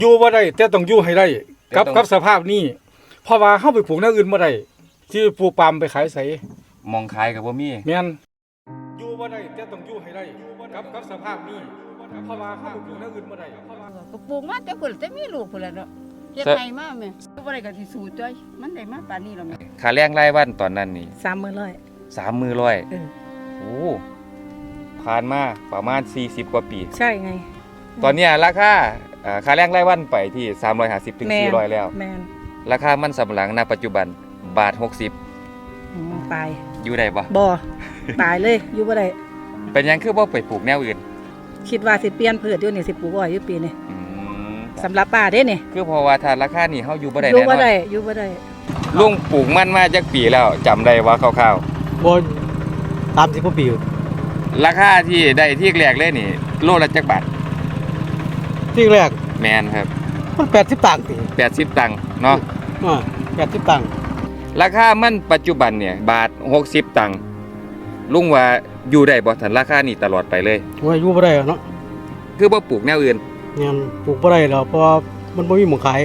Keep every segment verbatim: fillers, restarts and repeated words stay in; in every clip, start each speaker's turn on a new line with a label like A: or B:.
A: อยู่บ่ได้แต่ต้องอยู่ให้ได้กับกับสภาพนี้เพราะว่าเฮาไปปลูกแนวอื่นบ่ได้ที่ปลูกปาล์มไปขายไส
B: มองขายกับบ่มี
A: แม่นอยู่บ่ได้แต่ต้องอยู่ให้ได้กับกับสภาพนี้เพราะว่าเฮาไปปลูกแนวอื่นบ่ได้
C: ก็ปลูกมาแต่พุ่นแต่มีลูกพุ่นแหละเนาะเฮ็ดให้มาแม่บ่ได้ก็สิสู้จ้อยมันได้มาปานนี้แล้วแม่
B: ค่าแรงรายวันตอนนั้นนี่
D: สามหมื่นร้อย
B: สามหมื่นร้อย
D: เออ
B: โอ้ผ่านมาประมาณสี่สิบกว่าปี
D: ใช่ไง
B: ตอนนี้ราคาอ่าค่าแรงรายวันไปที่สามร้อยห้าสิบถึงสี่ร้อยแล้ว
D: แม่น
B: ราคามันสำปะหลังณปัจจุบันบาทหกสิบ
D: อืมตาย
B: อยู่ได้บ่
D: บ่ตายเลยอยู่บ่ได้
B: เป็นหยังคือบ่ไปปลูกแนวอื่น
D: คิดว่าสิเปลี่ยนพืชอยู่นี่สิปลูกอ้อยอยู่ปีนี้
B: อืม
D: สำหรับป้าเด้นี่
B: คือเพราะว่าถ้าราคานี่เฮาอยู่บ่ได้
D: อยู่
B: แน่นอน
D: บ่ได้อยู่บ่ได้
B: ลุงปลูกมันมาจักปีแล้วจำได้ว่าคร่าวๆ
A: บ่สามสิบกว่าปี
B: ราคาที่ได้ที่แรกเลยนี่โลละจักบาท
A: ที่แรก
B: แมนครับ
A: มันแปดสิบตังค์ติ
B: แปดสิบตังค์เนาะ
A: อ่าแปดสิบตังค์
B: ราคามันปัจจุบันเนี่ยบาทหกสิบตังค์ลุงว่าอยู่ได้บ่ทันราคานี้ตลอดไปเลย
A: ว่าอยู่บ่ได้เนาะ
B: คือบ่ปลูกแนวอื่น
A: เนี่ยปลูกบ่ได้แล้วเพราะว่ามันบ่มีหม้องขาย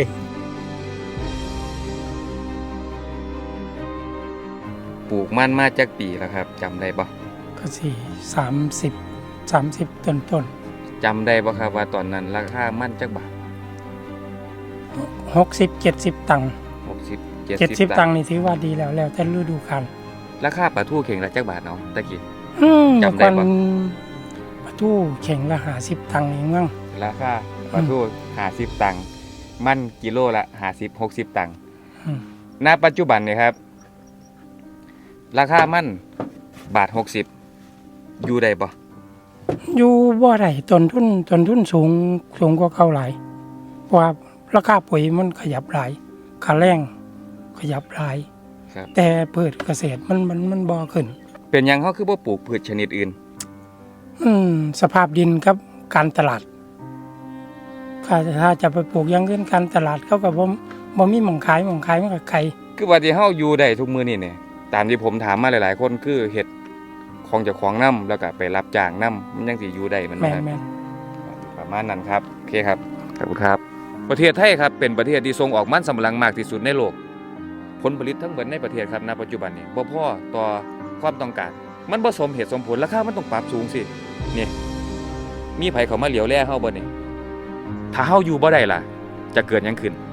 B: ปลูกมันมาจักปีแล้วครับจำได้บ่
E: ก็สิสามสิบ สามสิบต้น
B: ๆจำได้บ่ครับว่าตอนนั้นราคามันจักบาท
E: หกสิบ เจ็ดสิบตังค์
B: หกสิบ
E: เจ็ดสิบตังค์นี่ถือว่าดีแล้วแล้วแต่ฤดูกาล
B: ราคาปลาทูเข่งละจักบาทเนาะตะกี้
E: อืมจำได้บ่ปลาทูเข่งละห้าสิบตังค์เองมั้ง
B: ราคาปลาทูห้าสิบตังค์มันกิโลละห้าสิบ หกสิบตังค์ณปัจจุบันเนี่ยครับราคามันบาทหกสิบอยู่ได้บ่
E: อยู่บ่ได้ต้นทุนต้นทุนสูงสูงกว่าเก่าหลายเพราะว่าราคาปุ๋ยมันขยับหลายค่าแรงขยับหลายแต่พืชเกษตรมันมันมันบ่ขึ้น
B: เป็นหยังเฮาคือบ่ปลูกพืชชนิดอื่น
E: อืมสภาพดินครับการตลาดถ้าจะไปปลูกอย่างอื่นการตลาดเขาก็บ่บ่มีหม้องขายหม้องขายมันก็ไกล
B: คือว่าที่เฮาอยู่ได้ทุกมื้อนี้เนี่ยตามที่ผมถามมาหลายๆคนคือเฮ็ดของเจ้าของนำแล้วก็ไปรับจ้างนำมันยังสิอยู่ได้มัน
E: แม่น
B: ๆประมาณนั้นครับโอเคครับขอบคุณครับประเทศไทยครับเป็นประเทศที่ส่งออกมันสำปะหลังมากที่สุดในโลกผลผลิตทั้งหมดในประเทศครับณปัจจุบันนี้บ่พอต่อความต้องการมันบ่สมเหตุสมผลราคามันต้องปรับสูงสินี่มีไผเข้ามาเหลียวแลเฮาบ่นี่ถ้าเฮาอยู่บ่ได้ล่ะจะเกิดหยังขึ้น